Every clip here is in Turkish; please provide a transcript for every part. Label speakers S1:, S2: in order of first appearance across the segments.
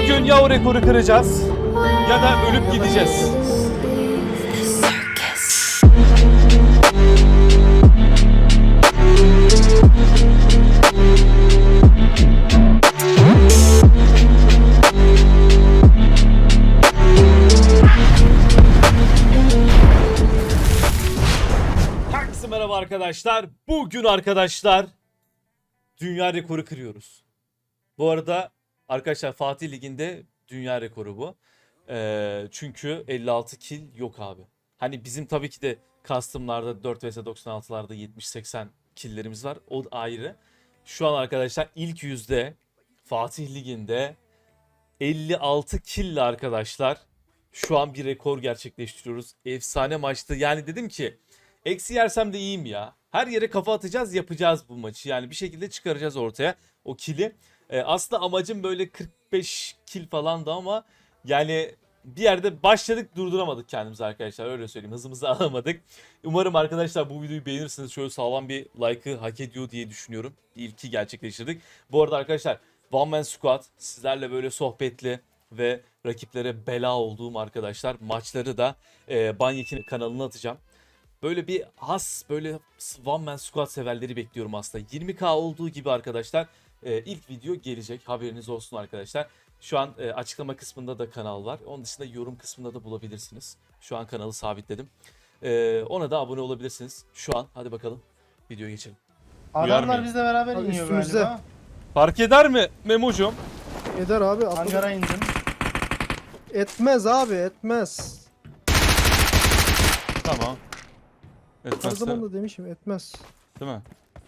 S1: Bugün ya o rekoru kıracağız ya da ölüp gideceğiz. Herkese merhaba arkadaşlar. Bugün arkadaşlar dünya rekoru kırıyoruz. Bu arada arkadaşlar Fatih Ligi'nde dünya rekoru bu. Çünkü 56 kill yok abi. Hani bizim tabii ki de custom'larda 4 vs 96'larda 70-80 kill'lerimiz var. O ayrı. Şu an arkadaşlar ilk yüzde Fatih Ligi'nde 56 kill arkadaşlar. Şu an bir rekor gerçekleştiriyoruz. Efsane maçtı. Yani dedim ki eksi yersem de iyiyim ya. Her yere kafa atacağız, yapacağız bu maçı. Yani bir şekilde çıkaracağız ortaya o kill'i. Aslında amacım böyle 45 kill falandı ama yani bir yerde başladık, durduramadık kendimizi arkadaşlar, öyle söyleyeyim, hızımızı alamadık. Umarım arkadaşlar bu videoyu beğenirsiniz, şöyle sağlam bir like'ı hak ediyor diye düşünüyorum. İlki gerçekleştirdik. Bu arada arkadaşlar One Man Squad sizlerle böyle sohbetli ve rakiplere bela olduğum arkadaşlar maçları da Banyek'in kanalına atacağım. Böyle bir böyle One Man Squad severleri bekliyorum aslında. 20k olduğu gibi arkadaşlar ilk video gelecek, haberiniz olsun arkadaşlar. Şu an açıklama kısmında da kanal var. Onun dışında yorum kısmında da bulabilirsiniz. Şu an kanalı sabitledim. Ona da abone olabilirsiniz. Şu an hadi bakalım videoya geçelim.
S2: Adamlar bizle beraber
S3: Abi
S2: iniyor
S3: üstümüzde.
S2: galiba.
S1: Fark eder mi Memo'cum?
S3: Eder abi.
S2: Hangara indim.
S3: Etmez abi, etmez.
S1: Tamam.
S3: Her
S1: Etmezse,
S3: zaman da demişim, etmez.
S1: değil mi?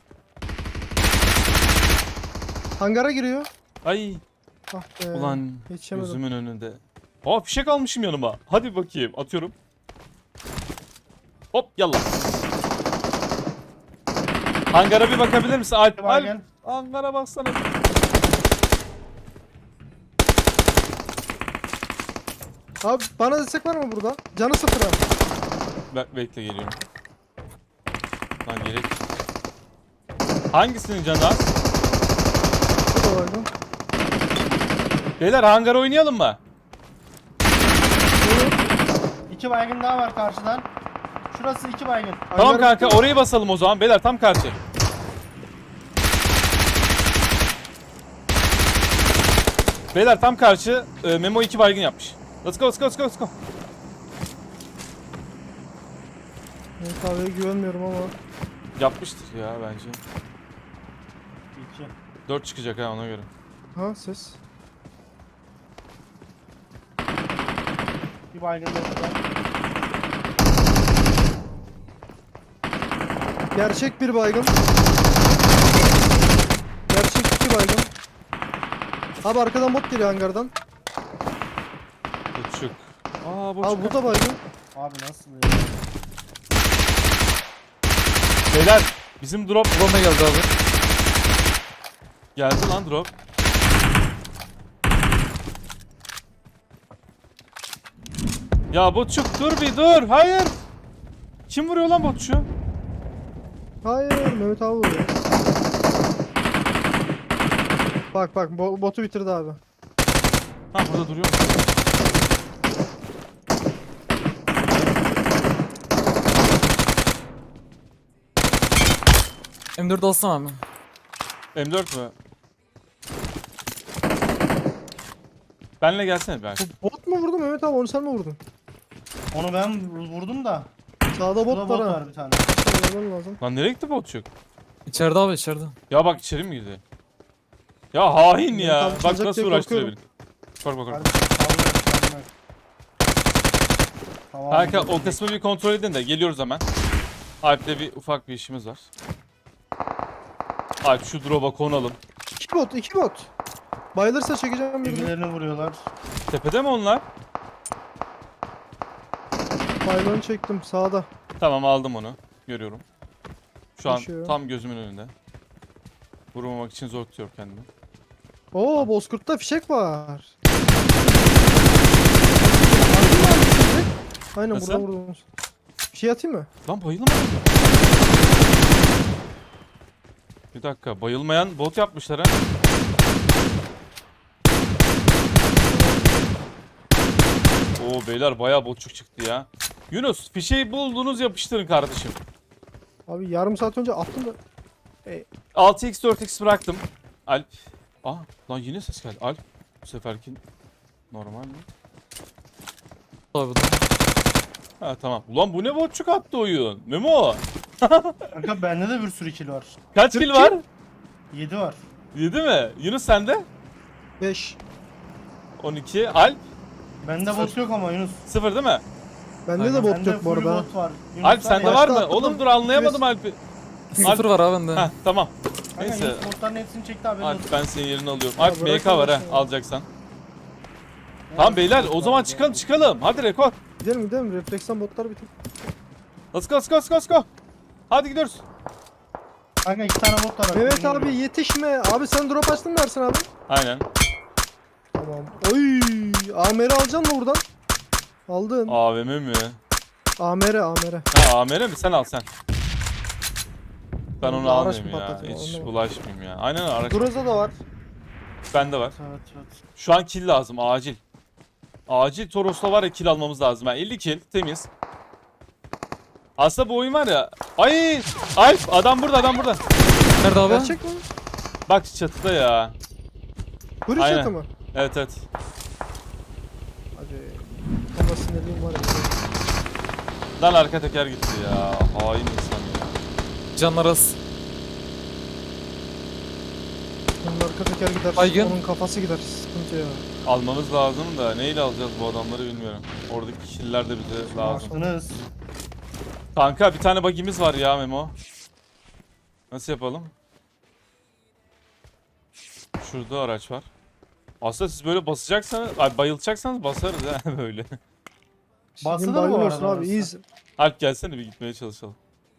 S3: Hangara giriyor.
S1: Ay
S3: Ah be.
S1: ulan
S3: Yetişemedim.
S1: gözümün önünde. Aa, fişek almışım yanıma. Hadi bakayım, atıyorum. Hop yallah. Hangara bir bakabilir misin? Alp,
S2: Bagen.
S1: hangara baksana.
S3: Abi bana destek var mı burada? Canı sıfır ha.
S1: Bekle, geliyorum. Lan gerek. Hangisinin canı az?
S3: Bu da vardı.
S1: Beyler hangar oynayalım mı?
S2: İki baygın daha var karşıdan. Şurası iki baygın.
S1: Tamam
S3: Hangara
S1: kanka, orayı basalım o zaman. Beyler tam karşı. Beyler tam karşı. Memo 2 baygın yapmış. Let's go, let's go, let's go, let's go.
S3: Ben kahveye güvenmiyorum ama.
S1: Yapmıştır ya bence.
S2: İki.
S1: 4 çıkacak ha, ona göre.
S3: Ha ses.
S2: Bir baygın da burada.
S3: Gerçek bir baygın. Gerçek iki baygın. Abi arkadan bot geliyor hangardan.
S1: Buçuk. Aa buçuk.
S3: Abi bu da baygın.
S2: Abi nasıl ya?
S1: Beyler bizim drop drone'a geldi abi. Geldi lan drop. Ya botçuk dur bir dur. Hayır. Kim vuruyor lan botçu?
S3: Hayır, Mehmet abi vuruyor. Bak bak, botu bitirdi abi.
S1: Ha burada duruyor.
S4: M4 alsana abi.
S1: M4 mü? Benle gelsene bir arkadaş.
S3: Bot mu vurdu Mehmet abi, onu sen mi vurdun?
S2: Onu ben vurdum da.
S3: Sağda
S2: Burada
S3: bot
S2: bot
S3: var ha.
S2: var bir tane.
S3: Söylemen lazım.
S1: Lan nereye gitti botçuk?
S4: İçeride abi içeride.
S1: Ya bak içeri mi girdi? Ya hain ya.
S3: Tam
S1: Bak
S3: çalacak
S1: nasıl
S3: diye
S1: uğraştırıyor beni.
S3: korkuyorum.
S1: Bak bak bak.
S2: Kardeşim sallıyor. Tamam.
S1: Kanka o kısmı bir kontrol edin de geliyoruz hemen. Alp'le bir ufak bir işimiz var. Alp şu drop'a konalım.
S3: İki bot, iki bot. Bayılırsa çekeceğim birini.
S2: Birbirlerini vuruyorlar.
S1: Tepede mi onlar?
S3: Baylığını çektim sağda.
S1: Tamam, aldım onu. Görüyorum. Şu an
S3: Koşuyor.
S1: tam gözümün önünde. Vurmamak için zor tutuyorum kendimi.
S3: Oo, Bozkurt'ta fişek var. Aynen
S1: Nasıl?
S3: burada vurdum. Bir şey atayım mı?
S1: Lan bayılamadım. Bir dakika, bayılmayan bot yapmışlar ha. Oo beyler bayağı botçuk çıktı ya. Yunus fişeyi buldunuz yapıştırın kardeşim.
S3: Abi yarım saat önce attım da.
S1: 6x 4x bıraktım. Alp. Aa lan yine ses geldi. Alp. Bu seferki normal mi?
S4: Abi da.
S1: Ha tamam. Ulan bu ne botçuk attı oyun. Memo.
S2: Kanka bende de bir sürü kill var.
S1: Kaç kill var?
S2: 7 var.
S1: 7 mi? Yunus sende?
S3: 5.
S1: 12. Alp.
S2: Bende bot yok ama Yunus.
S1: 0 değil mi?
S3: Bende
S4: Aynen.
S3: de bot
S2: Bende
S3: yok bu
S2: full
S3: arada.
S2: bot var. Yunus
S1: Alp sende var mı?
S3: Başta
S1: Oğlum
S3: atladım.
S1: dur anlayamadım Alp'i.
S4: 0 var abi bende.
S1: Heh tamam.
S2: Kanka
S1: Neyse.
S2: Yunus botların hepsini çekti abi.
S1: Alp ben senin yerini alıyorum.
S3: Ya
S1: Alp
S3: bırak
S1: MK var ha
S3: Allah'ını
S1: alacaksan. Tamam beyler o zaman çıkalım. Hadi rekor.
S3: Gidelim. Refleksten botlar bitir.
S1: Let's go let's go let's go. Hadi gidiyoruz.
S2: Kanka 2 tane bot var.
S3: Evet abi yetişme. Abi sen drop açtın mı Ersin abi?
S1: Aynen.
S3: Tamam. Oy. AMR alacaksın mı buradan? Aldın.
S1: AVM mi?
S3: AMR.
S1: Ha AMR mi? Sen al sen. Ben onu
S3: Araç
S1: almayayım
S3: mı
S1: ya.
S3: patlatayım,
S1: Hiç
S3: anlamadım.
S1: bulaşmayayım ya. Aynen araç.
S3: Groza da var.
S1: Bende var.
S2: Evet.
S1: Şu an kill lazım acil. Acil Toros'la var ya kill almamız lazım. Yani 50 kill temiz. Aslında bu oyun var ya. Ay! Alp adam burada.
S4: Nerede abi?
S3: Gerçek mi?
S1: Bak çatıda ya.
S3: Kuru
S1: Aynen.
S3: çatı mı?
S1: Evet.
S3: Hadi. Ama sinirliyim var ya.
S1: Lan arka teker gitti ya. Hain insan ya.
S4: Canlar az.
S3: Bunun arka teker gider.
S4: Baygın.
S3: Onun kafası gider. Sıkıntı ya.
S1: Almamız lazım da neyle alacağız bu adamları bilmiyorum. Oradaki killer de bize lazım.
S2: Yaptınız.
S1: Kanka bir tane bagimiz var ya Memo. Nasıl yapalım? Şurada araç var. Aslında siz böyle basacaksanız, ay bayılacaksanız basarız ha böyle.
S2: Basılır
S3: Bugün
S2: mı bu
S3: bayılıyorsun
S2: arada
S3: abi.
S2: orası?
S3: İyiyiz.
S1: Alp gelsene bir gitmeye çalışalım.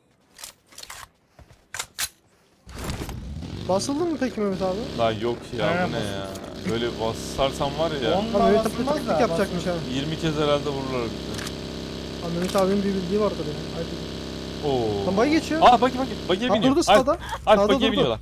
S3: Basıldın mı peki Mehmet abi?
S1: Lan yok ya
S2: Aynen
S1: bu ne ya. Böyle basarsam var ya.
S2: Onunla
S3: Abi Mehmet abi
S2: basılmaz
S3: taktik
S2: da.
S3: yapacakmış ha.
S1: 20 kez herhalde vururlar bizi.
S3: Abi Mehmet abinin bir bildiği vardır ya. Haydi.
S1: Oo.
S3: Lan bay geçiyor.
S1: Aa bagiye
S3: Ha,
S1: biniyor.
S3: durdu
S1: Alp,
S3: sağda.
S1: Alp
S3: Sağda
S1: bagiye
S3: durdu.
S1: biniyorlar.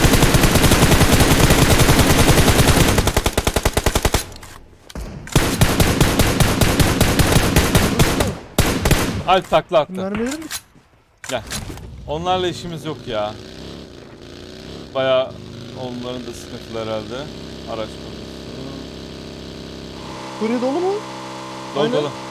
S1: Alp takla attı.
S3: Mermilerim mi?
S1: Onlarla işimiz yok ya. Baya onların da sıkıntılı herhalde. Araç konusu.
S3: Kurye dolu mu?
S1: Dolu
S3: Aynen.
S1: dolu.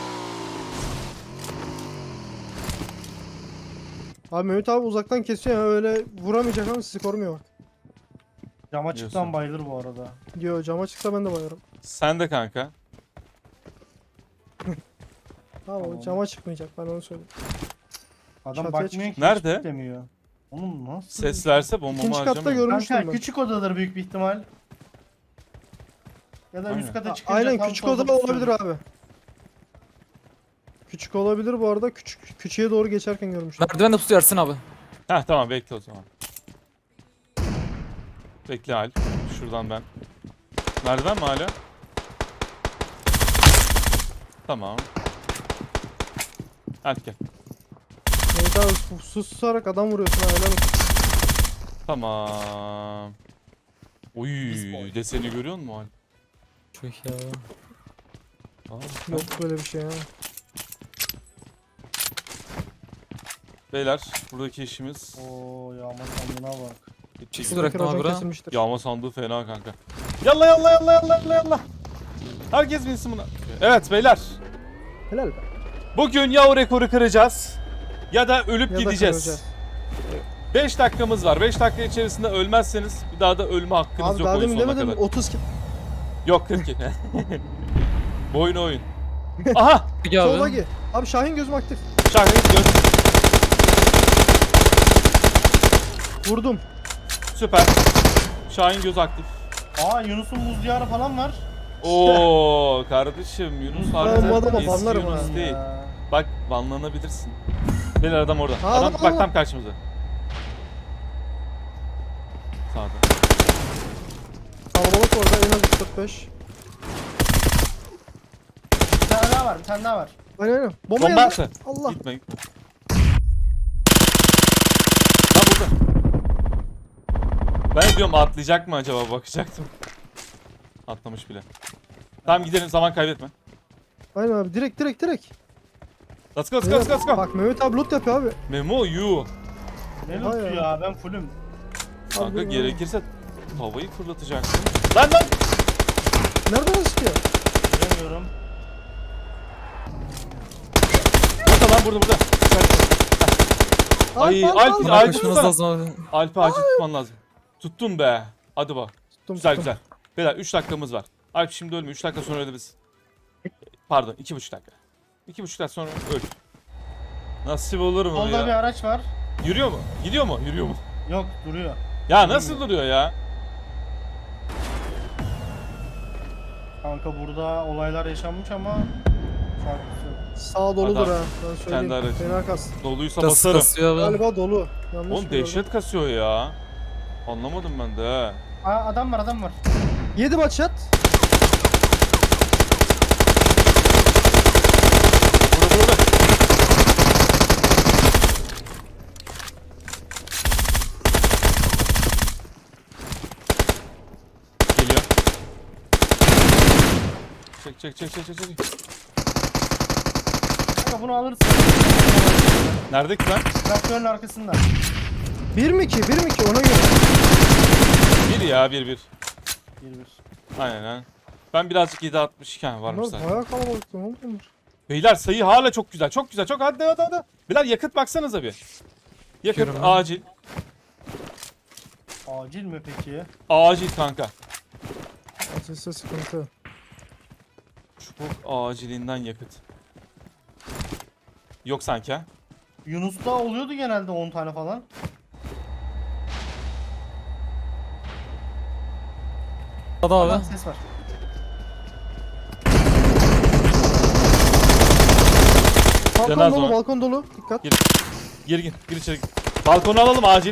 S3: Abi Mehmet abi uzaktan kesiyor ya öyle vuramayacak ama sizi korumuyor bak.
S2: Cama
S1: Diyorsun.
S2: çıktan bayılır bu arada.
S3: Diyor cama çıksa ben de bayarım.
S1: Sen de kanka.
S3: Tamam,
S2: Tamam.
S3: o cama çıkmayacak ben onu söyleyeyim.
S2: Adam
S3: Çatıya
S2: bakmıyor ki.
S1: Nerede?
S2: hiç demiyor. Oğlum nasıl?
S1: Ses verse bombamı
S3: İkinci katta
S1: harcamayayım.
S3: görmüştüm
S2: Kanka
S3: ben.
S2: küçük odadır büyük bir ihtimal. Ya da
S1: Aynen.
S2: üst kata çıkınca
S3: Aynen
S2: tam
S3: küçük
S2: solda
S3: oda
S2: tutuyor.
S3: olabilir abi. Küçük olabilir bu arada. Küçüğe doğru geçerken görmüştüm.
S4: Merdiven de tutuyor Ersin abi.
S1: Heh tamam bekle o zaman. Bekle Alp. Şuradan ben. Merdiven mi hala? Tamam. Alp gel.
S3: Mehmet abi susarak adam vuruyorsun ha helal olsun.
S1: Tamam. Oy deseni görüyor musun Alp?
S4: Çok ya.
S1: Aa,
S3: Yok böyle bir şey ha.
S1: Beyler buradaki işimiz
S2: Oo yağma sandığına bak.
S1: bitecek.
S4: Siz bırakın abi bura.
S3: kesilmiştir.
S1: Yağma sandığı fena kanka. Yalla yalla yalla yalla yalla yalla. Herkes binsin buna. Evet beyler.
S3: Helal be.
S1: Bugün ya o rekoru kıracağız ya da ölüp
S3: Ya da
S1: gideceğiz.
S3: kıracağız.
S1: 5 dakikamız var. 5 dakika içerisinde ölmezseniz bir daha da ölme hakkınız
S3: Abi
S1: yok
S3: daha
S1: oyun
S3: demin
S1: sonuna
S3: demedim
S1: kadar.
S3: 30 kill.
S1: Yok 42. Bu oyun. Aha!
S4: Peki
S3: Sola
S4: abi.
S3: gir. Abi Şahin gözüm aktif.
S1: Şahane göz.
S3: Vurdum.
S1: Süper. Şahin göz aktif.
S2: Aa Yunus'un buz diyarı falan var.
S1: Oo kardeşim Yunus
S3: Ben bu
S1: harbiden
S3: adama
S1: eski
S3: banlarım
S1: Yunus
S3: ha.
S1: değil.
S2: Ya.
S1: Bak banlanabilirsin. Beyler adam orada.
S3: Ha,
S1: Adam
S3: adam,
S1: bak
S3: adam.
S1: tam karşımıza. Sağda.
S3: Kalabalık orada en az 45.
S2: Bir tane daha var, bir tane daha var.
S3: Aynen. Bomba
S1: Bomba
S3: yazdı.
S1: attı.
S3: Allah.
S1: Gitme. Lan burada. Ben de diyorum atlayacak mı acaba bakacaktım. Atlamış bile. Tamam gidelim zaman kaybetme.
S3: Aynen abi direkt.
S1: Let's go.
S3: Bak Mehmet abi loot yapıyor abi.
S1: Memo you.
S2: Ne
S3: Oha
S2: lootu
S3: ya.
S2: ya ben fullüm.
S1: Kanka
S3: Abi,
S1: gerekirse tavayı fırlatacaksın. Lan!
S3: Nereden çıkıyor?
S2: Bilemiyorum.
S1: Burada. Ay, Alp,
S4: Buna
S1: Alp
S4: koşmanız
S1: tutsana.
S4: lazım abi.
S1: Alp'i acil tutman lazım. Tuttum be. Hadi bak.
S3: Tuttum.
S1: Güzel. Beyler 3 dakikamız var. Alp şimdi ölme. 3 dakika sonra ölebilirsin. Pardon 2,5 dakika. 2,5 dakika sonra öl. Nasip olur mu
S2: Solda bir
S1: ya?
S2: araç var.
S1: Yürüyor mu? Gidiyor mu? Yürüyor mu?
S2: Yok duruyor.
S1: Ya nasıl duruyor ya?
S2: Kanka burada olaylar yaşanmış ama farklısı.
S3: Sağ doludur
S1: Adam,
S3: ha. Ben söyleyeyim.
S1: kendi aracı.
S3: Fena kas.
S1: Doluysa
S4: Kas
S1: basarım.
S4: kasıyor abi.
S3: Galiba dolu. Yanlış
S1: Oğlum
S3: mı
S1: dehşet kasıyor ya. Anlamadım ben de ha.
S2: Aa adam var.
S3: gördüm? 7 maçat.
S1: Burada. Geliyor. Çek.
S2: Kanka bunu alırsın.
S1: Nerede ki lan?
S2: Traktörün arkasında.
S3: 1 mi 2? 1 mi 2? Ona göre.
S1: Bir ya bir.
S2: 1-1.
S1: Aynen ha. Ben birazcık 7.60 iken varmış
S3: Bunlar
S1: zaten.
S3: bayağı kalabalık. Ne oldu bunlar?
S1: Beyler sayı hala çok güzel. Çok hadi. Beyler yakıt baksanıza bir. Yakıt
S4: Bakıyorum abi.
S1: acil.
S2: Acil mi peki?
S1: Acil kanka.
S3: Acilse sıkıntı.
S1: Çok acilinden yakıt. Yok sanki ha.
S2: Yunus'ta oluyordu genelde 10 tane falan.
S4: Hadi
S2: Adam
S4: abi.
S2: ses var.
S3: Balkon
S1: Cenaze
S3: dolu,
S1: var.
S3: balkon dolu. Dikkat.
S1: Gir içeri. Balkonu alalım acil.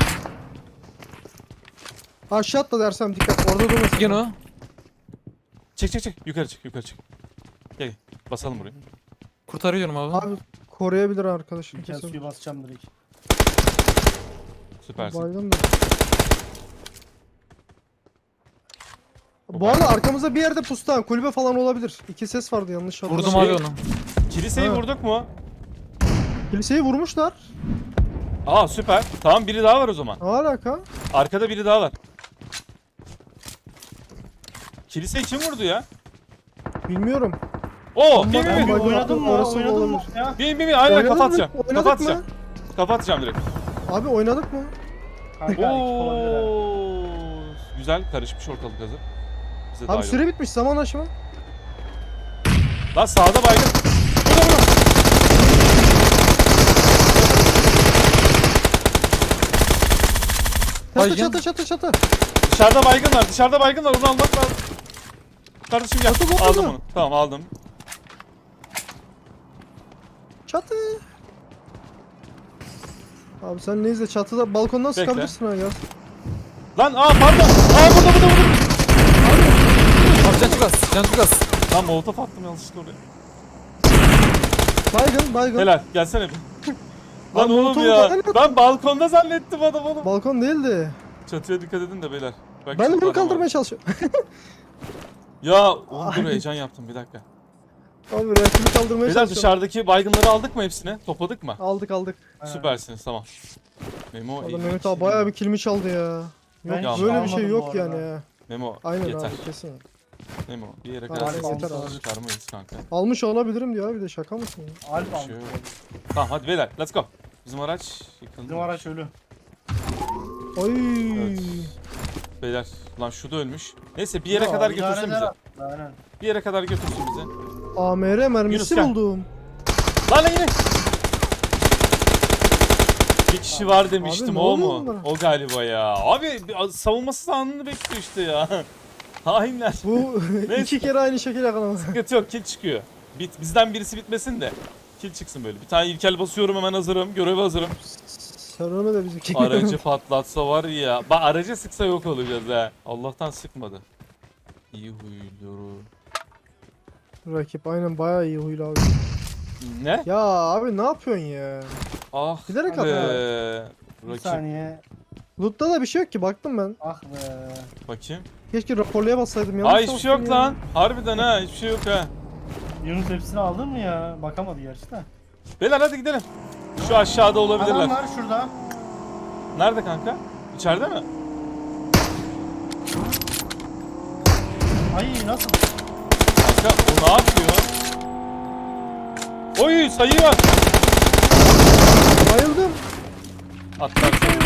S3: Aşağı atla dersem dikkat. Orada durmasın.
S4: Gene o.
S1: Çek. Yukarı çık. Gel. Basalım burayı.
S4: Kurtarıyorum abi.
S3: Abi koruyabilir arkadaşım.
S2: Bir kez
S3: Kesin.
S2: suyu basacağım direkt.
S1: Süpersin.
S3: Baydım da. Bu arada arkamızda bir yerde pusta kulübe falan olabilir. 2 ses vardı yanlış
S4: Vurdum
S3: hatırlamıyorum.
S4: abi onu.
S1: Kiliseyi
S3: Ha.
S1: vurduk mu?
S3: Kiliseyi vurmuşlar.
S1: Aa süper. Tamam biri daha var o zaman.
S3: Ne alaka?
S1: Arkada biri daha var. Kiliseyi kim vurdu ya?
S3: Bilmiyorum.
S1: Oo,
S3: Ama
S1: bin.
S3: ben bak-
S2: Oynadın mı?
S3: Orası
S2: Oynadın mı
S3: olabilir.
S2: ya?
S1: Bin. Aynen
S3: Oynadık
S1: kapatacağım.
S3: mı? Oynadık mı?
S1: Kapatacağım direkt.
S3: Abi oynadık mı?
S2: Kanka ekip olabilir ha.
S1: Oo. Güzel karışmış ortalık hazır. Bize daha
S3: Abi
S1: iyi
S3: süre
S1: olur.
S3: bitmiş zaman aşımı.
S1: Lan sağda baygın. Burada.
S4: Baygın.
S3: Çatı.
S1: Dışarıda baygın var. Onu almak lazım. Kardeşim gel.
S3: Atı,
S1: Aldım
S3: atı.
S1: onu. Tamam aldım.
S3: Çatı. Abi sen neyse çatıda balkondan
S1: Bekle.
S3: sıkabilirsin ha ya.
S1: Lan pardon. Burada.
S4: Abi can çok az.
S1: Lan molotof attım yanlışlıkla oraya.
S3: Baygın.
S1: Helal gelsene bir. Lan
S3: Lan
S1: oğlum
S3: molotofu
S1: ya.
S3: zaten-
S1: Ben balkonda zannettim adam onu.
S3: Balkon değildi.
S1: Çatıya dikkat edin de beyler. Belki
S3: Ben de
S1: çatıda
S3: bunu
S1: adam var.
S3: kaldırmaya çalışıyorum.
S1: Ya oğlum dur heyecan yaptım bir dakika.
S3: Abi rakibi kaldırmaya
S1: Beyler
S3: çalışıyorum.
S1: dışarıdaki baygınları aldık mı hepsini? Topladık mı?
S3: Aldık.
S1: Süpersiniz tamam. Memo
S3: Adam
S1: iyi.
S3: Mehmet abi bayağı bir kilimi çaldı ya.
S2: Ben
S3: Yok
S1: hiç
S3: böyle bir şey
S2: almadım
S3: yok
S2: bu
S3: yani
S2: arada.
S3: ya.
S1: Memo
S3: Aynen
S1: yeter.
S3: abi kesin.
S1: Memo bir yere
S3: Abi,
S1: kadar
S2: yeter
S1: sesini
S2: abi.
S1: çıkarmayız kanka.
S3: Almış olabilirim diyor abi de şaka mısın ya?
S2: Alp
S1: Bir
S2: aldı.
S1: şey yok. Tamam hadi beyler let's go. Bizim araç yıkıldı.
S2: Bizim araç ölü.
S3: Oy.
S1: Evet. Beyler lan şu da ölmüş. Neyse bir yere
S2: Ya,
S1: kadar
S2: idare
S1: götürsün
S2: eder
S1: bizi.
S2: aslında, aynen.
S1: Bir yere kadar götürsün bizi.
S3: AMR mermisi
S1: Yunus, gel.
S3: buldum.
S1: Lan yine. Bir kişi var demiştim
S3: ne
S1: o
S3: oluyor
S1: mu?
S3: bunlara?
S1: O galiba ya. Abi savunması anını bekliyor işte ya. Hainler.
S3: Bu
S1: Neyse.
S3: 2 kere aynı şekil yakaladı.
S1: Sıkıntı yok kill çıkıyor. Bizden birisi bitmesin de. Kill çıksın böyle. Bir tane ilkel basıyorum hemen hazırım. Göreve hazırım.
S3: Sen ölme de bizimki.
S1: Aracı patlatsa var ya. Bak aracı sıksa yok olacağız ha. Allah'tan sıkmadı. İyi huylu.
S3: Rakip aynen bayağı iyi huylu abi.
S1: Ne?
S3: Ya abi ne yapıyorsun ya?
S1: Ah
S3: Bilerek
S1: be.
S3: atıyor
S2: Bir
S1: Rakip.
S2: saniye.
S3: Loot'ta da bir şey yok ki baktım ben.
S2: Ah be.
S1: Bakayım.
S3: Keşke raporluya bassaydım yanlış.
S1: Aa hiçbir şey yok
S3: bastım ya.
S1: lan. Harbiden ha hiçbir şey yok ha.
S2: Yunus hepsini aldın mı ya? Bakamadı gerçi de.
S1: Beyler hadi gidelim. Şu aşağıda olabilirler.
S2: Adam var şurada.
S1: Nerede kanka? İçeride mi?
S2: Ay nasıl?
S1: Kanka o ne yapıyor? Oy sayı var.
S3: Bayıldım.
S1: Atlar sayı.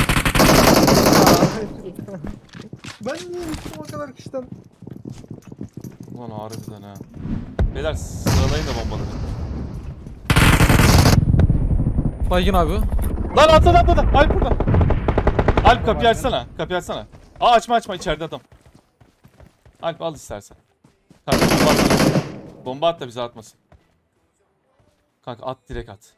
S3: Ben niye gittim o kadar kişiden?
S1: Ulan harbiden ha. Beyler sıralayın da bombaları.
S4: Baygın abi.
S1: Lan atladı. Alp burada. Alp kapıyı açsana. Kapıyı açsana. Aa açma içeride adam. Alp al istersen. Kanka bomba at. Bomba at da bize atmasın. Kanka at direkt at.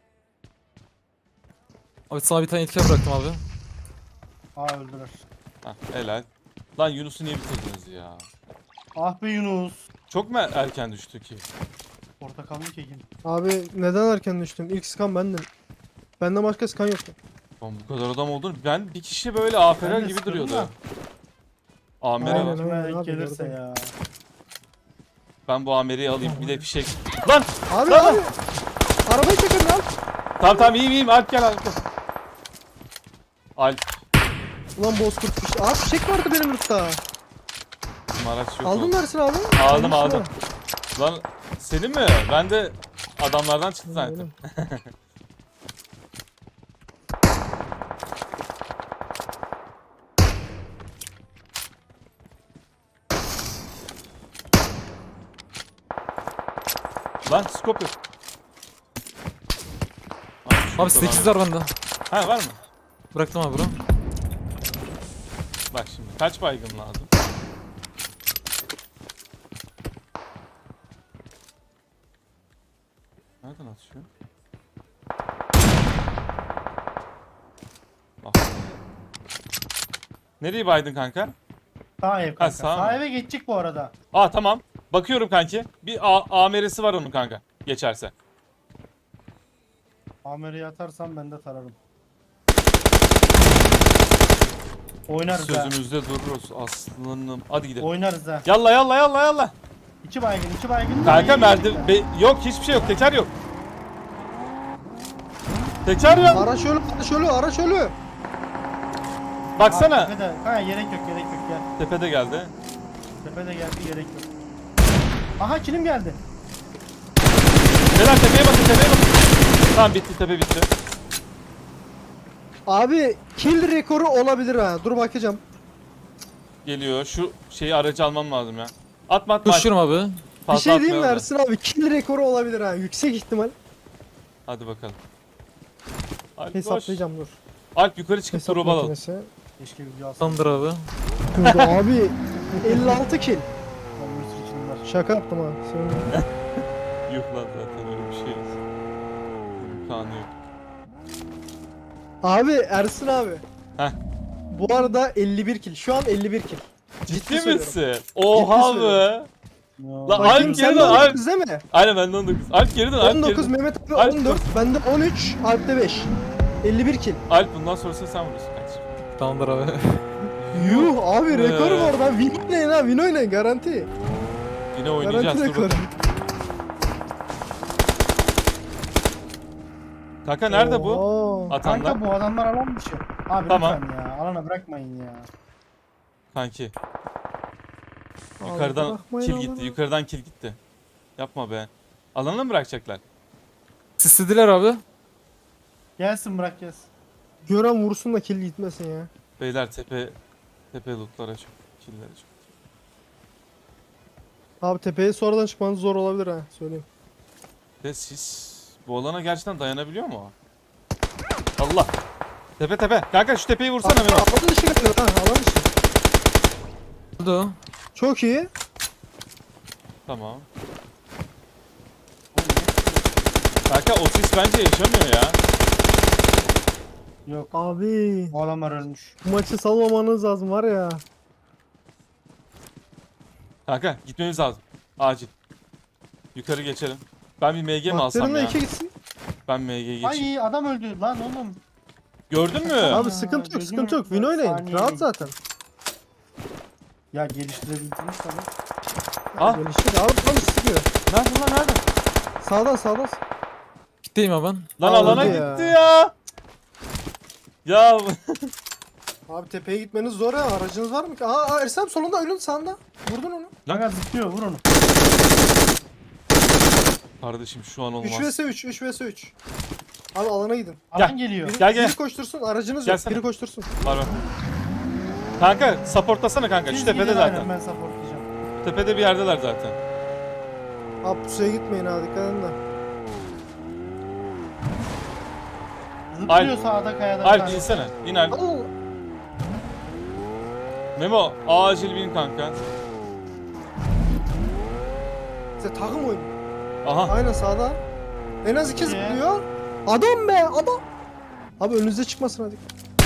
S4: Abi sana bir tane etken bıraktım abi.
S2: Aa öldüler.
S1: Hah helal. Lan Yunus'u niye bitirdiniz ya?
S2: Ah be Yunus.
S1: Çok mu erken düştü ki?
S2: Portakallı kekin.
S3: Abi neden erken düştüm? İlk skan bendim. Benden başka skan yoktu.
S1: Lan bu kadar adam olduğunu ben bir kişi böyle AFR
S2: Ben de
S1: gibi
S2: sıkıldım
S1: duruyordu.
S2: da.
S1: Amere
S3: Aynen.
S1: var.
S2: Kime denk
S3: abi,
S2: gelirse
S3: gördüm.
S2: ya.
S1: Ben bu Amere'yi alayım bir de fişek. Lan!
S3: Abi
S1: Lan!
S3: abi. Arabayı çekin lan.
S1: Tamam iyiyim Alp gel Alp gel. Alp.
S3: Ulan bozkurt fişek. Abi fişek vardı benim lootta.
S1: Bizim araç yok.
S3: Aldın
S1: oldu.
S3: mı Ersin abi?
S1: Aldım
S3: Almışsın
S1: aldım.
S3: ha.
S1: Lan senin mi? Ben de adamlardan çıktı zannettim. Lan scope yok.
S4: Abi 8 var bende.
S1: Ha var mı?
S4: Bıraktım abi bro.
S1: Bak şimdi kaç baygın lazım? Nereden atışıyor? Bak. Nereye baydın kanka?
S2: Sağ ev kanka.
S1: sağ
S2: Sağ
S1: mı?
S2: eve geçecek bu arada.
S1: Aa tamam. Bakıyorum kanki. Bir AMR'si var onun kanka. Geçerse.
S2: Amer'i atarsam ben de tararım. Oynarız ha.
S1: Sözümüzde dururuz aslanım. Hadi gidelim.
S2: Oynarız ha.
S1: Yalla yalla.
S2: İki baygın.
S1: Kanka yok hiçbir şey yok. Teker yok. Teker yok.
S3: Araç ölü.
S1: Baksana.
S2: Tepede. Ha gerek yok gel.
S1: Tepede geldi.
S2: Tepede geldi gerek yok. Aha kilim geldi.
S1: Beyler tepeye bakın. Tamam bitti tepe bitti.
S3: Abi kill rekoru olabilir ha. Dur bakacağım.
S1: Geliyor. Şu şeyi aracı almam lazım ya. Atma.
S4: Koşuyorum abi.
S3: Bir şey diyeyim mi
S1: atmayalım da.
S3: Ersin abi? Kill rekoru olabilir ha. Yüksek ihtimal.
S1: Hadi bakalım. Alp koş.
S3: Hesaplayacağım dur.
S1: Alp yukarı çıkıp
S3: Hesap
S1: drop alalım.
S3: makinesi.
S2: Keşke video alsam.
S4: Tamamdır abi.
S3: Burada abi 56 kill.
S2: Bir sürü kilim var.
S3: Şaka yaptım ha. Söyle.
S1: Yok lan zaten öyle bir şey yok. İmkanı yok.
S3: Abi Ersin abi.
S1: Heh.
S3: Bu arada 51 kill. Şu an 51 kill.
S1: Ciddi
S3: söylüyorum.
S1: misin? Oha be.
S2: Ya.
S1: Lan
S3: Bakayım
S1: Alp
S3: sen
S1: geri
S3: de
S1: dön Alp.
S3: 19 değil mi?
S1: Aynen ben de 19. Alp geri dön Alp geri
S3: 19
S1: dön.
S3: Mehmet abi
S1: Alp
S3: 14. Bende 13. Alp'te 5. 51 kill.
S1: Alp bundan sonrasını sen vurursun kardeşim.
S4: Tamamdır abi.
S3: Yuh abi rekor
S1: Ee.
S3: var lan. Win oynayın ha. Win oynayın garanti.
S1: Yine oynayacağız.
S3: Garanti
S1: Dur
S3: rekor.
S1: bakalım. Kanka nerede bu?
S3: Oo.
S1: Atanlar.
S2: Kanka bu adamlar alan dışı. Abi
S1: Tamam.
S2: lütfen ya. Alana bırakmayın ya.
S1: Kanki.
S3: Abi
S1: Yukarıdan
S3: bırakmayın
S1: kill
S3: alana.
S1: gitti. Yukarıdan kill gitti. Yapma be. Alana mı bırakacaklar?
S4: Sislediler abi.
S2: Gelsin bırak gelsin.
S3: Gören vursun da kill gitmesin ya.
S1: Beyler tepe lootlara çok. Kill'lere çok.
S3: Abi tepeye sonradan çıkmanız zor olabilir ha. Söyleyeyim.
S1: Ve siz bu alana gerçekten dayanabiliyor mu o? Allah. Tepe. Kanka şu tepeyi vursana Memo.
S3: Alan dışı geliyor ha. Alan dışı.
S4: Öldü o.
S3: Çok iyi.
S1: Tamam. Kanka o sis bence yaşamıyor ya.
S2: Yok.
S3: Abi.
S2: Bu adamlar ölmüş.
S3: Bu maçı salmamanız lazım var ya.
S1: Kanka gitmemiz lazım. Acil. Yukarı geçelim. Ben bir MG mi alsam
S3: Baktığımda
S1: ya?
S3: 2 gitsin.
S1: Ben MG geçeyim.
S2: Ay adam öldü lan oğlum.
S1: Gördün mü?
S3: Abi
S2: Aa,
S3: sıkıntı yok
S2: gözüm
S3: sıkıntı yok. Win
S2: önünde
S3: oynayın.
S2: saniye
S3: Rahat
S2: değil.
S3: zaten.
S2: Ya geliştirebildiniz tabii.
S1: Ah.
S3: Gelişti. Abi tam sıkıyor.
S1: Nerede lan nerede?
S3: Sağdan.
S4: Gitteyim abi ben.
S1: Lan
S3: Aa,
S1: alana
S3: öldü ya.
S1: gitti ya. Ya
S3: Abi tepeye gitmeniz zor ya. Aracınız var mı ki? Aa Ersem solunda ölün sağında. Vurdun onu.
S2: Kanka zıplıyor vur onu.
S1: kardeşim şu an
S3: 3
S1: olmaz.
S3: vs 3. 3 vs 3. Abi alana gidin.
S2: Alan geliyor.
S1: Gel, gel.
S3: Biri koştursun. Aracınız
S1: Gelsene.
S3: yok. Biri koştursun.
S1: Var var. Kanka supportlasana kanka. Şu
S2: Siz
S1: tepede
S2: gidin,
S1: zaten.
S2: aynen, ben supportlayacağım.
S1: Tepede bir yerdeler zaten.
S3: Abi pusuya gitmeyin ha. Dikkat edin de.
S2: Zıplıyor sağda kayada. bir
S1: Alp
S2: tane.
S1: insene. İn Alp.
S3: Al.
S1: Memo acil bin kanka.
S3: Size takım oyunu.
S1: Aha.
S3: Aynen sağda. En az 2
S2: İki.
S3: zıplıyor. Adam be adam. Abi önünüze çıkmasın hadi.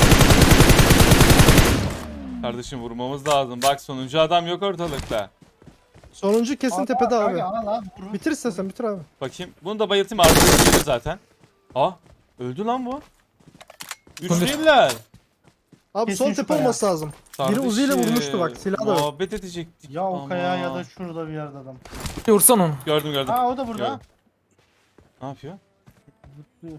S1: Kardeşim vurmamız lazım. Bak sonuncu adam yok ortalıkta.
S3: Sonuncu kesin
S2: Al,
S3: tepede abi.
S2: kanka, al, al, vur.
S3: Bitir istersen bitir abi.
S1: Bakayım. Bunu da bayıltayım artık zaten. Aa öldü lan bu. Üç
S4: Kondur.
S1: değiller.
S3: Abi
S2: Kesin
S3: sol
S2: şu
S3: tepe
S2: kaya.
S3: olması lazım. Biri Uzi ile
S1: Kardeşim,
S3: vurmuştu bak, silah da yok.
S1: Muhabbet edecektik.
S2: Ya o
S1: ama.
S2: kaya ya da şurada bir yerde adam.
S4: Bir vursan onu.
S1: Gördüm gördüm.
S2: Ha o da burada.
S1: Gördüm. Ne yapıyor?
S2: Zıplıyor.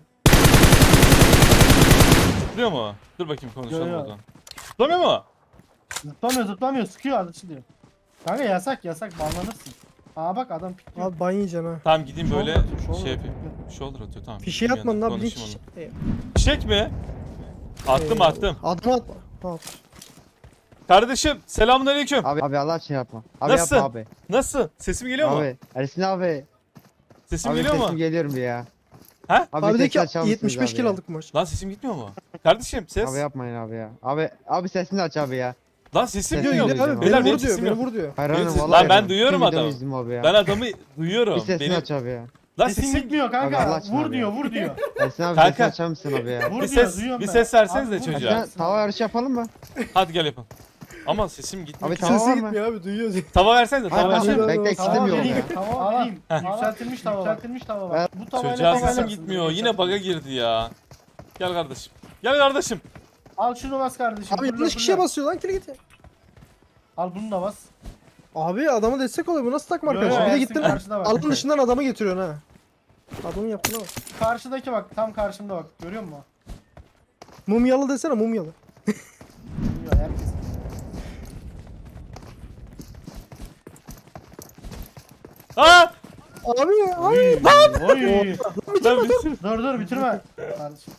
S1: Zıplıyor mu? Dur bakayım konuşalım
S2: Yo,
S1: o
S2: yo.
S1: zaman. Zıplamıyor mu?
S2: Zıplamıyor sıkıyor açılıyor. Kanka yasak banlanırsın. Aa bak adam pikliyor.
S3: Abi ban yiyeceksin ha.
S1: Tamam gideyim böyle
S2: Shoulder
S1: şey
S2: atıyor.
S1: yapayım. Shoulder atıyor tamam.
S3: Fişe
S1: Gideyim
S3: atmadın
S1: yanına,
S3: abi. Link
S1: konuşayım
S3: fişe.
S1: onunla. Fişek mi? Attım attım.
S3: Adımı atma. Al.
S1: Kardeşim selamünaleyküm.
S5: Abi Allah için yapma. Abi
S1: Nasıl?
S5: yapma abi.
S1: Nasıl? Sesim geliyor mu?
S5: Abi Ersin abi.
S1: Sesim
S5: Abi
S1: geliyor
S5: sesim
S1: mu?
S5: geliyorum bir ya.
S1: Ha?
S5: Abi,
S3: Abi de ki
S5: sesini açar mısınız
S3: 75
S5: abi
S3: kill
S5: ya?
S3: aldık bu maç.
S1: Lan sesim gitmiyor mu? Kardeşim ses.
S5: Abi yapmayın abi ya. Abi sesini aç abi ya.
S1: Lan sesim
S5: Sesini
S1: geliyor.
S5: duyuyorum
S3: Abi
S1: Beyler,
S3: beni
S1: benim
S3: vur diyor.
S1: sesim
S3: Beni
S1: yok.
S3: vur diyor.
S5: Hayır
S1: Benim
S5: hanım
S1: sesim-
S5: vallahi.
S1: Lan ben
S5: yapma.
S1: duyuyorum
S5: Tüm videomu
S1: adamı.
S5: izledim abi ya.
S1: Ben adamı duyuyorum.
S5: Bir sesini
S1: Benim...
S5: aç abi ya.
S1: Lan
S2: Sesin
S1: sesim...
S2: gitmiyor
S5: Abi Allah
S2: kanka.
S5: aşkına
S2: Vur
S5: abi
S2: diyor
S5: ya.
S2: vur diyor.
S5: Ersin abi
S1: Kanka.
S5: sesini açar mısın abi ya?
S2: Vur
S1: Bir
S2: diyor
S1: ses,
S2: duyuyorum
S1: bir
S2: ben.
S1: ses versenize
S2: Abi vur.
S1: çocuğa.
S5: Ersin tava yarışı yapalım mı?
S1: Hadi gel yapalım. Ama sesim gitmiyor.
S5: Abi
S1: ki.
S5: tamam.
S3: Sesi
S5: mı?
S3: gitmiyor abi duyuyor.
S1: Tava versenize
S5: Hayır
S1: tava
S5: ben
S1: versenize.
S5: bekle
S3: Tamam,
S5: istemiyorum
S2: vereyim.
S5: ya.
S2: Tamam vereyim. Yükseltilmiş tava var. Yükseltilmiş tava var. Bu tavayla
S1: Çocuğa
S2: tava
S1: sesim
S2: yaparsın.
S1: gitmiyor. Yine bug'a girdi ya. Gel kardeşim. Gel kardeşim.
S2: Al şunu bas kardeşim.
S3: Abi
S2: fırla,
S3: yanlış kişiye
S2: fırla.
S3: basıyor lan kill git.
S2: Al bunu da bas.
S3: Abi adama destek oluyor. Bu nasıl takma
S2: Yo,
S3: arkadaşım? Bir de
S2: Ersin
S3: gittin
S2: karşıda bak.
S3: alanın dışından adamı getiriyorsun ha. Adamın yaptığına bak.
S2: Karşıdaki bak tam karşımda bak. Görüyor musun?
S3: Mumyalı desene mumyalı.
S2: Bilmiyor herkes.
S1: Aa!
S3: Abi abi.
S2: Oy.
S1: Lan bitir.
S2: Dur bitirme. Kardeşim.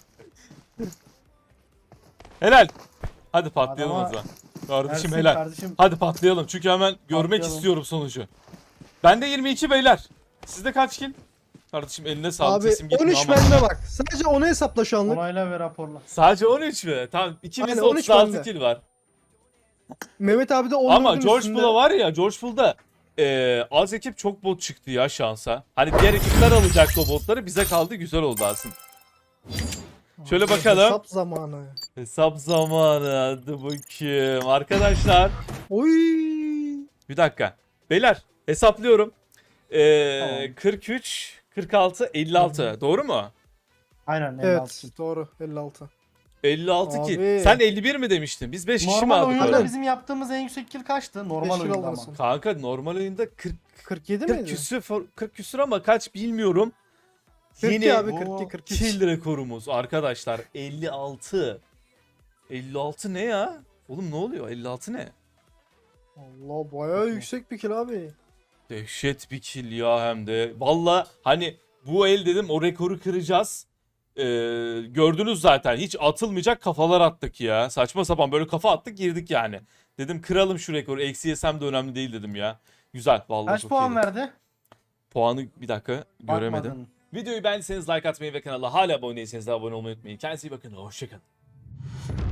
S1: Helal. Hadi patlayalım
S2: Adama-
S1: o zaman. Kardeşim
S2: Ersin
S1: helal.
S2: kardeşim.
S1: Hadi patlayalım çünkü hemen görmek
S2: Patlayalım.
S1: istiyorum sonucu. Bende 22 beyler. Sizde kaç kill? Kardeşim eline sağlık
S3: Abi
S1: sesim gitmiyor
S3: 13
S1: ama.
S3: bende bak. Sadece onu hesapla şu anlık.
S2: Onayla ve raporla.
S1: Sadece 13 mü? Tamam ikimizde
S3: Aynen, 13
S1: 36
S3: bende.
S1: kill var.
S3: Mehmet abi de 10
S1: Ama George Bull'a var ya George Bull'da az ekip çok bot çıktı ya şansa. Hani diğer ekipler alacaktı o botları bize kaldı güzel oldu aslında. Şöyle bakalım.
S3: Hesap zamanı.
S1: Hesap zamanı. Hadi bakayım. Arkadaşlar.
S3: Oy.
S1: Bir dakika. Beyler hesaplıyorum.
S2: Tamam.
S1: 43, 46, 56. Doğru mu?
S2: Aynen.
S3: Evet doğru 56.
S1: 56 ki.
S3: Abi.
S1: Sen 51 mi demiştin? Biz 5 kişi mi
S2: Normal
S1: aldık
S2: oyunda
S1: öyle?
S2: bizim yaptığımız en yüksek kill kaçtı? Normal
S3: 5 kill
S2: oyunda ama.
S3: alırsın.
S1: Kanka normal oyunda 40
S3: 47
S1: 40
S3: miydi?
S1: küsür 40 küsür ama kaç bilmiyorum.
S3: 42
S1: Yine
S3: abi
S1: o
S3: 42 43.
S1: kill rekorumuz arkadaşlar 56. 56 ne ya? Oğlum ne oluyor? 56 ne?
S3: Allah bayağı yüksek bir kill abi.
S1: Dehşet bir kill ya hem de. Valla hani bu el dedim o rekoru kıracağız. Gördünüz zaten hiç atılmayacak kafalar attık ya. Saçma sapan böyle kafa attık girdik yani. Dedim kıralım şu rekoru. Eksi yesem de önemli değil dedim ya. Güzel vallahi
S2: Kaç
S1: çok
S2: puan
S1: iyiydi.
S2: verdi?
S1: Puanı bir dakika göremedim.
S2: Bakmadın.
S1: Videoyu beğendiyseniz like atmayı ve kanala hala abone değilseniz de abone olmayı unutmayın. Kendinize iyi bakın. Hoşçakalın.